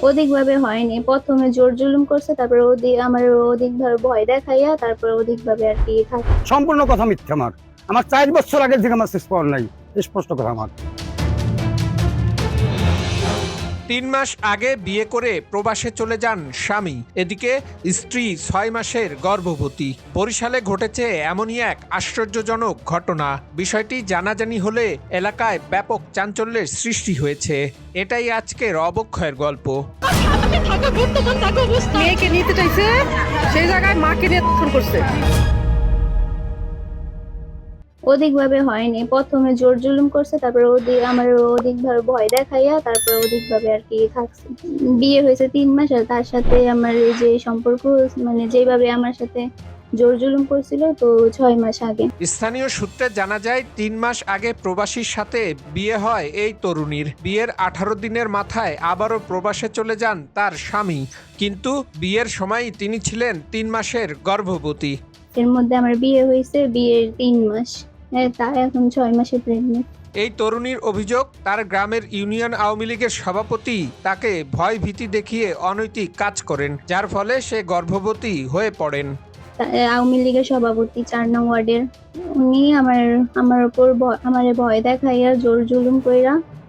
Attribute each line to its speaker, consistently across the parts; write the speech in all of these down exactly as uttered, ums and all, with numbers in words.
Speaker 1: অধিকভাবে হয়নি। প্রথমে জোর জুলুম করছে, তারপরে অধিক আমার অধিকভাবে ভয় দেখাইয়া তারপরে অধিকভাবে আর কি থাকে।
Speaker 2: সম্পূর্ণ কথা মিথ্যা। আমার আমার চার বছর আগের থেকে আমার শেষ পাওয়ার নাই, স্পষ্ট কথা আমার।
Speaker 3: তিন মাস আগে বিয়ে করে প্রবাসে চলে যান স্বামী, এদিকে স্ত্রী ছয় মাসের গর্ভবতী। বরিশালে ঘটেছে এমনই এক আশ্চর্যজনক ঘটনা। বিষয়টি জানাজানি হলে এলাকায় ব্যাপক চাঞ্চল্যের সৃষ্টি হয়েছে। এটাই আজকের অবক্ষয়ের গল্প।
Speaker 4: মেয়েকে নিতে চাইছে, সেই জায়গায় মাকে নিয়ে ফোন করছে।
Speaker 1: অধিকভাবে হয়নি। প্রথমে জোর জুলুম করছে, তারপরে অধিক আমার অধিকভাবে ভয় দেখাইয়া তারপরে অধিকভাবে আর কি থাকছে। বিয়ে হয়েছে তিন মাস, আর তার সাথে আমার এই যে সম্পর্ক, মানে যেভাবে আমার সাথে জোর জুলুম করছিল, তো ছয় মাস আগে।
Speaker 3: স্থানীয় সূত্রে জানা যায়, তিন মাস আগে প্রবাসীর সাথে বিয়ে হয় এই তরুণীর। বিয়ের আঠারো দিনের মাথায় আবারও প্রবাসে চলে যান তার স্বামী, কিন্তু বিয়ের সময় তিনি ছিলেন তিন মাসের গর্ভবতী।
Speaker 1: এর মধ্যে আমার বিয়ে হয়েছে বিয়ের তিন মাস, তা এখন ছয় মাসে প্রেগনেন্ট।
Speaker 3: এই তরুণীর অভিযোগ, তার গ্রামের ইউনিয়ন আওয়ামী লীগের সভাপতি তাকে ভয় ভীতি দেখিয়ে অনৈতিক কাজ করেন, যার ফলে সে গর্ভবতী হয়ে পড়েন।
Speaker 1: আওয়ামী লীগের সভাপতি চার নং ওয়ার্ডের, উনি আমার আমার উপর আমার ভয় দেখাইয়া জোর জুলুম কইরা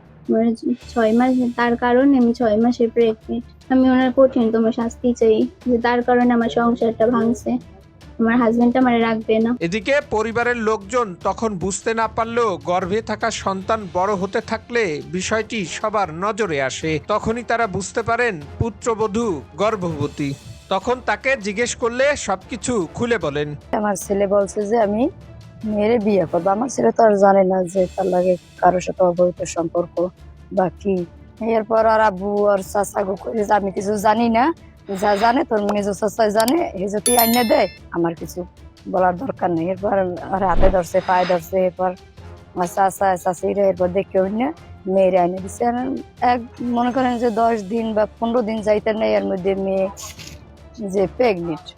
Speaker 1: ছয় মাস, তার কারণে আমি ছয় মাসে প্রেগনেন্ট। আমি ওনার কঠিনতম শাস্তি চাই, যে তার কারণে আমার সংসারটা ভাঙছে, আমার হাজবেন্ডটা আমারে রাখবে না।
Speaker 3: এদিকে পরিবারের লোকজন তখন বুঝতে না পারলেও গর্ভে থাকা সন্তান বড় হতে থাকলে বিষয়টি সবার নজরে আসে। তখনই তারা বুঝতে পারেন পুত্রবধূ গর্ভবতী। তখন তাকে জিজ্ঞেস করলে সবকিছু খুলে বলেন।
Speaker 4: আমার ছেলে বলছে যে আমি মেয়েরে বিয়ে করবো। আমার ছেলে তো আর জানে না যে তার লাগে কারোর সাথে অবৈধ সম্পর্ক বা কি। এরপর আর আব্বু আর চাচা গো করে যে আমি কিছু জানি না, যা জানে তোর মেজো চাচাই জানে, এই যদি আইনে দেয় আমার কিছু বলার দরকার নেই। এরপর আর হাতে ধরছে, পায়ে ধরছে, এরপর চাচা চাচিরা এরপর দেখে না মেয়েরে আইনে দিচ্ছে। এক মনে করেন যে দশ দিন বা পনেরো দিন যাইতে নেই, এর মধ্যে মেয়ে যে প্রেগনেন্ট।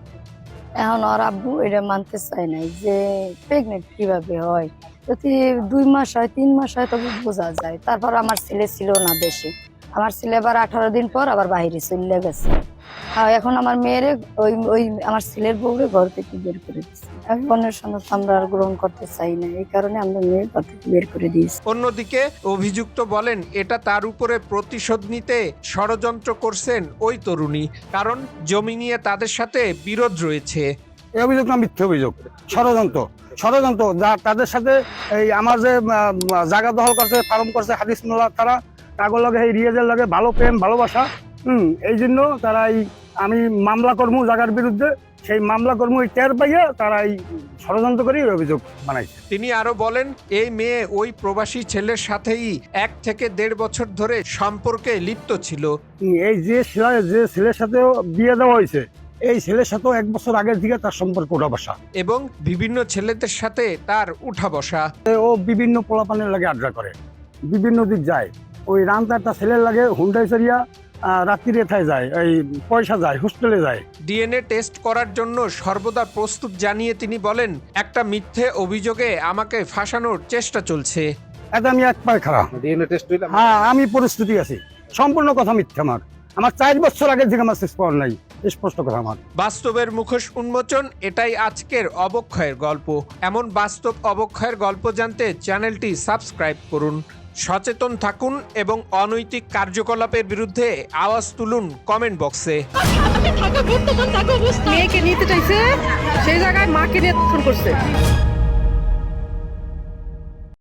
Speaker 4: এখন ওর আব্বু এটা মানতে চায় নাই যে প্রেগনেন্ট কিভাবে হয়, যদি দুই মাস হয় তিন মাস হয় তবে বোঝা যায়। তারপর আমার ছেলে ছিল না দেশে, আমার ছেলে আবার আঠারো দিন পর আবার বাইরে চলে গেছে। আর এখন আমার মেয়েরে ওই ওই আমার ছেলের বউরে ঘর থেকে বের করে দিচ্ছে। আমি অন্যের সঙ্গে আমরা আর গ্রহণ করতে চাই না, এই কারণে আমরা মেয়ের ঘর থেকে বের করে দিয়েছি।
Speaker 3: অন্যদিকে অভিযুক্ত বলেন, এটা তার উপরে প্রতিশোধ নিতে ষড়যন্ত্র করছেন ওই তরুণী, কারণ জমি নিয়ে তাদের সাথে বিরোধ রয়েছে।
Speaker 2: এই অভিযোগ না মিথ্যা অভিযোগ, ষড়যন্ত্র ষড়যন্ত্র যা তাদের সাথে এই আমার যে জায়গা দখল করছে, ফার্ম করছে হাদিস মোল্লা, তারা কাগজ লাগে এই রিয়াজের লাগে ভালো প্রেম ভালোবাসা, হুম এই জন্য তারা এই আমি মামলা কর্ম জায়গার বিরুদ্ধে, সেই মামলা কর্ম টের পাইয়া তারা এই ষড়যন্ত্র করে অভিযোগ বানাইছে।
Speaker 3: তিনি আরো বলেন, এই মেয়ে ওই প্রবাসী ছেলের সাথেই এক থেকে দেড় বছর ধরে সম্পর্কে লিপ্ত ছিল।
Speaker 2: এই যে ছেলে যে ছেলের সাথে বিয়ে দেওয়া হয়েছে, এই ছেলের সাথেও এক বছর আগের দিকে তার সম্পর্ক উঠা বসা,
Speaker 3: এবং বিভিন্ন ছেলেদের সাথে তার উঠা বসা।
Speaker 2: ও বিভিন্ন পোলাপানের লাগে আড্ডা করে, বিভিন্ন দিক যায়। ওই রান্তা একটা ছেলের লাগে হুন্ডাই চারিয়া রাত্রিরে থায় যায়, এই পয়সা যায়, হোস্টেলে যায়।
Speaker 3: ডিএনএ টেস্ট করার জন্য সর্বদা প্রস্তুত জানিয়ে তিনি বলেন, একটা মিথ্যে অভিযোগে আমাকে ফাঁসানোর চেষ্টা চলছে।
Speaker 2: এতে আমি এক পায়ে খারাপ,
Speaker 5: ডিএনএ টেস্ট হইলে
Speaker 2: হ্যাঁ আমি প্রস্তুতি আছি। সম্পূর্ণ কথা মিথ্যা। আমার আমার চার বছর আগের থেকে আমার শেষ পাওয়ার নাই, স্পষ্ট কথা আমার।
Speaker 3: বাস্তবের মুখোশ উন্মোচন, এটাই আজকের অবক্ষয়ের গল্প। এমন বাস্তব অবক্ষয়ের গল্প জানতে চ্যানেলটি সাবস্ক্রাইব করুন। সচেতন থাকুন এবং অনৈতিক কার্যকলাপের বিরুদ্ধে আওয়াজ তুলুন কমেন্ট বক্সে।
Speaker 4: মেয়েকে নিতে চাইছে, সেই জায়গায় মাকে নিয়ে ফোন করছে।